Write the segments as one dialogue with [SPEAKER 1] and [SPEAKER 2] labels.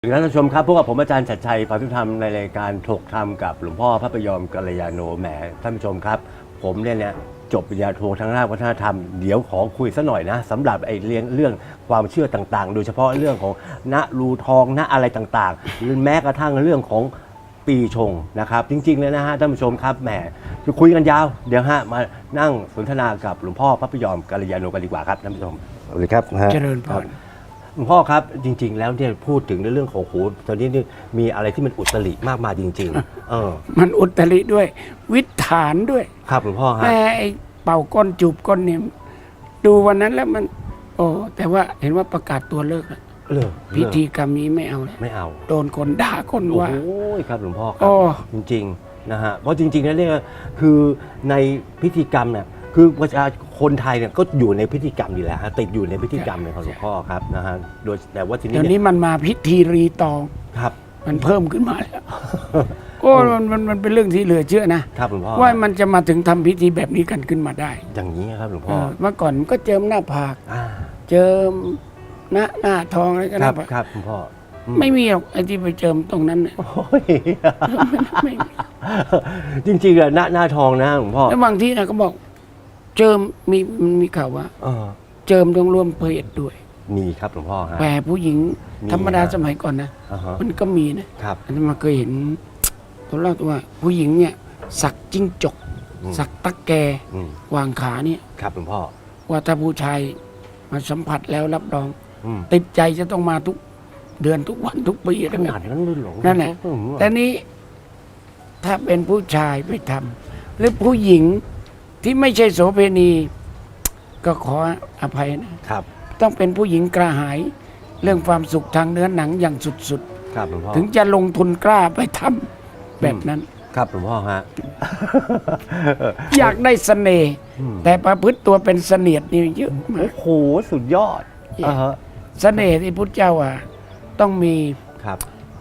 [SPEAKER 1] ท่านผู้ชมครับพวกกับผมอาจารย์ชัดชัยพาพิธรรมในรายการถกธรรมกับหลวงพ่อพระพยอมกัลยาโนแหมท่านผู้ชมครับผมเนี่ยจบปริญญาโททางด้านวัฒนธรรมเดี๋ยวขอคุยสักหน่อยนะสำหรับเรื่องความเชื่อต่างๆโดยเฉพาะเรื่องของณรูทองณอะไรต่างๆแม้กระทั่งเรื่องของปีชงนะครับจริงๆเลยนะฮะท่านผู้ชมครับแหมจะคุยกันยาวเดี๋ยวมานั่งสนทนากับหลวงพ่อพระพยอมกัลยาโนกันดีกว่าครับท่านผู้ชมสวัสดีครับ
[SPEAKER 2] เจริญพร
[SPEAKER 1] หลวงพ่อครับจริงๆแล้วเนี่ยพูดถึงในเรื่องของโหตอนนี้นี่มีอะไรที่มันอุตริมากมายจริงๆ
[SPEAKER 2] มันอุตริด้วยวิถฐานด้วย
[SPEAKER 1] ครับหลวงพ่อครับ
[SPEAKER 2] แต่ไอ้เป่าก้นจูบก้นเนี่ยดูวันนั้นแล้วมันแต่ว่าเห็นว่าประกาศตัวเลิกพิธีกรรมนี้ไม่เอาเลย
[SPEAKER 1] ไม่เอา
[SPEAKER 2] โดนคนด่าคนว่า
[SPEAKER 1] โอ้ยครับหลวงพ่อครับจริงๆนะฮะเพราะจริงๆแล้วเนี่ยคือในพิธีกรรมเนี่ยคือประชาชนคนไทยเนี่ยก็อยู่ในพิธีกรรมอยู่แล้วฮะติดอยู่ในพิธีกรรมของหลวงพ่อครับนะฮะโดยแต่ว่าทีนี้
[SPEAKER 2] เดี๋ยวนี้มันมาพิธีรีตอง
[SPEAKER 1] ครับ
[SPEAKER 2] มันเพิ่มขึ้นมาแล้วโอ้มันเป็นเรื่องที่เหลือเชื่อนะครับ
[SPEAKER 1] หลวงพ่อ
[SPEAKER 2] ว่ามันจะมาถึงทำพิธีแบบนี้กันขึ้นมาได้
[SPEAKER 1] อย่างนี้ครับหลวงพ่อ
[SPEAKER 2] เมื่อก่อนมันก็เจิมหน้าผากเจิมหน้าทองอะไรก็
[SPEAKER 1] ครับครับหลวงพ่อ
[SPEAKER 2] ไม่มีหรอกไอ้ที่ไปเจิมตรงนั้นเนี่ยไม่
[SPEAKER 1] จริงๆอะหน้าทองนะหลวงพ่อ
[SPEAKER 2] แล้วบางที่นะก็บอกเจิมมีข่าวว่าเจิมต้องร่วมเพศด้วย
[SPEAKER 1] มีครับหลวงพ่อฮะ
[SPEAKER 2] แต่ผู้หญิงธรรมดาสมัยก่อนนะมันก็มีนะครับอันนั้นมาเคยเห็นเขาเล่าว่าผู้หญิงเนี่ยสักจิ้งจกสักตั๊กแกวางขาเนี่ย
[SPEAKER 1] ครับหลวงพ่อ
[SPEAKER 2] ว่าถ้าผู้ชายมาสัมผัสแล้วรับรองติดใจจะต้องมาทุกเดือนทุกวันทุกปี
[SPEAKER 1] ขนาดนั้นเลยหรอ
[SPEAKER 2] นั่นแหละแต่นี้ถ้าเป็นผู้ชายไปทำหรือผู้หญิงที่ไม่ใช่โสเภณีก็ขออภัยนะครับต้องเป็นผู้หญิงกระหายเรื่องความสุขทางเนื้อหนังอย่างสุด
[SPEAKER 1] ๆครับหลวงพ่อ
[SPEAKER 2] ถึงจะลงทุนกล้าไปทำแบบนั้น
[SPEAKER 1] ครับหลวงพ่อฮะ
[SPEAKER 2] อยากได้เสน่ห์แต่ประพฤติตัวเป็นเสนียดนี่เยอะมาก
[SPEAKER 1] โอ้โหสุดยอด
[SPEAKER 2] เสน่ห์ที่พุทธเจ้าต้องมี
[SPEAKER 1] ครับ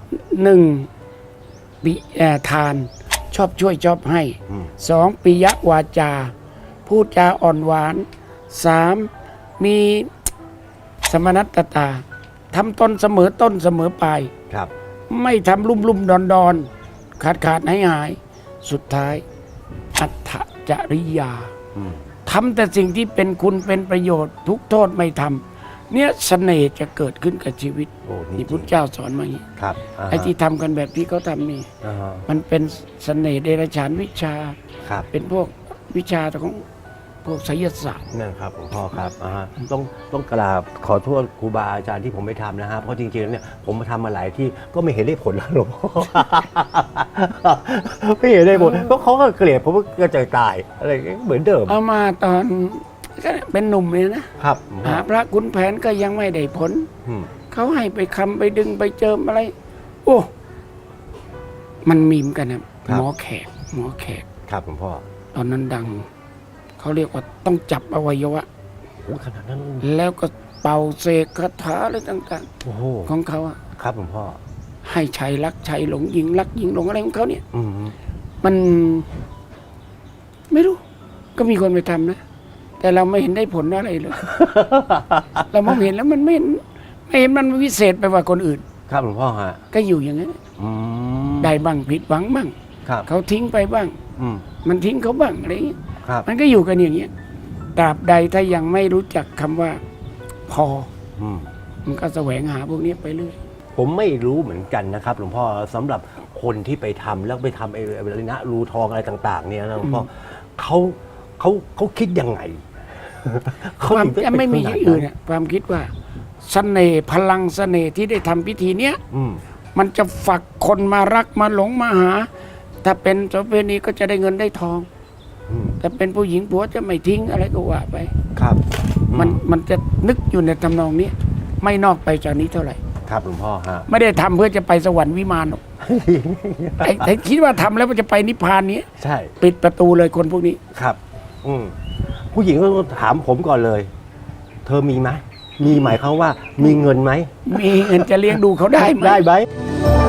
[SPEAKER 2] 1ปิทานชอบช่วยชอบให้2ปิยวาจาพูดจาอ่อนหวาน3มีสมนัตตาทำตนเสมอต้นเสมอปลาย
[SPEAKER 1] ครับ
[SPEAKER 2] ไม่ทำลุ่มดอนขาดหายสุดท้ายอัตถจริยาทำแต่สิ่งที่เป็นคุณเป็นประโยชน์ทุกโทษไม่ทำเนี่ยเสน่ห์จะเกิดขึ้นกับชีวิตที่พุทธเจ้าสอนมาอย่างนี้ไอ้ที่ทำกันแบบที่เขาทำนี่มันเป็นเสน่ห์เดรัจฉานวิชาเป็นพวกวิชาของพวกไสยศาสตร์
[SPEAKER 1] นั่นครับหลวงพ่อครับต้องกราบขอโทษครูบาอาจารย์ที่ผมไม่ทำนะฮะเพราะจริงๆแล้วเนี่ยผมมาทำมาหลายที่ก็ไม่เห็นได้ผลหลวงพ่อไม่เห็นได้ผลเพราะเขาก็เกลียดผมก็กระจายตายอะไรเหมือนเดิม
[SPEAKER 2] เอามาตอนก็เป็นหนุ่มเลยนะครับหาพระขุนแผนก็ยังไม่ได้ผลเขาให้ไปคำไปดึงไปเจิมอะไรโอ้มันมีมกันนะหมอแขก
[SPEAKER 1] ครับหลวงพ่อ
[SPEAKER 2] ตอนนั้นดังเขาเรียกว่าต้องจับอวัยวะ
[SPEAKER 1] ขนาดนั้น
[SPEAKER 2] แล้วก็เป่าเสกคาถาอะไรต่างๆของเขา
[SPEAKER 1] ครับหลวงพ่อ
[SPEAKER 2] ให้ชายรักชายหลงหญิงรักหญิงหลงอะไรของเขาเนี่ยมันไม่รู้ก็มีคนไปทำนะแต่เราไม่เห็นได้ผลอะไรเลยเรามองเห็นแล้วมันไม่เห็นมันวิเศษไปกว่าคนอื่น
[SPEAKER 1] ครับหลวงพ่อฮะ
[SPEAKER 2] ก็อยู่อย่างนั้นได้บ้างผิดหวังบ้างเขาทิ้งไปบ้างมันทิ้งเขาบ้างอะไรอย่างเงี้ยมันก็อยู่กันอย่างเงี้ยตราบใดถ้ายังไม่รู้จักคำว่าพอมันก็แสวงหาพวกนี้ไปเรื่อย
[SPEAKER 1] ผมไม่รู้เหมือนกันนะครับหลวงพ่อสำหรับคนที่ไปทำแล้วไปทำอะไรนะรูทองอะไรต่างๆเนี่ยนะหลวงพ่อเขาคิดยังไง
[SPEAKER 2] ความไม่มีอย่างอื่นความคิดว่าเสน่ห์พลังเสน่ห์ที่ได้ทำพิธีเนี้ยมันจะฝักคนมารักมาหลงมาหาถ้าเป็นโสเภณีก็จะได้เงินได้ทองแต่เป็นผู้หญิงผัวจะไม่ทิ้งอะไรก็ว่าไป
[SPEAKER 1] ครับ
[SPEAKER 2] มันจะนึกอยู่ในทำนองนี้ไม่นอกไปจากนี้เท่าไหร่
[SPEAKER 1] ครับหลวงพ่อฮะ
[SPEAKER 2] ไม่ได้ทำเพื่อจะไปสวรรค์วิมานหรอกแต่คิดว่าทำแล้วมันจะไปนิพพานนี้
[SPEAKER 1] ใช่
[SPEAKER 2] ปิดประตูเลยคนพวกนี้
[SPEAKER 1] ครับผู้หญิงก็ถามผมก่อนเลยเธอมีไหมมีหมายความว่ามีเงินไหม
[SPEAKER 2] มีเงินจะเลี้ยงดูเขาได้ไหม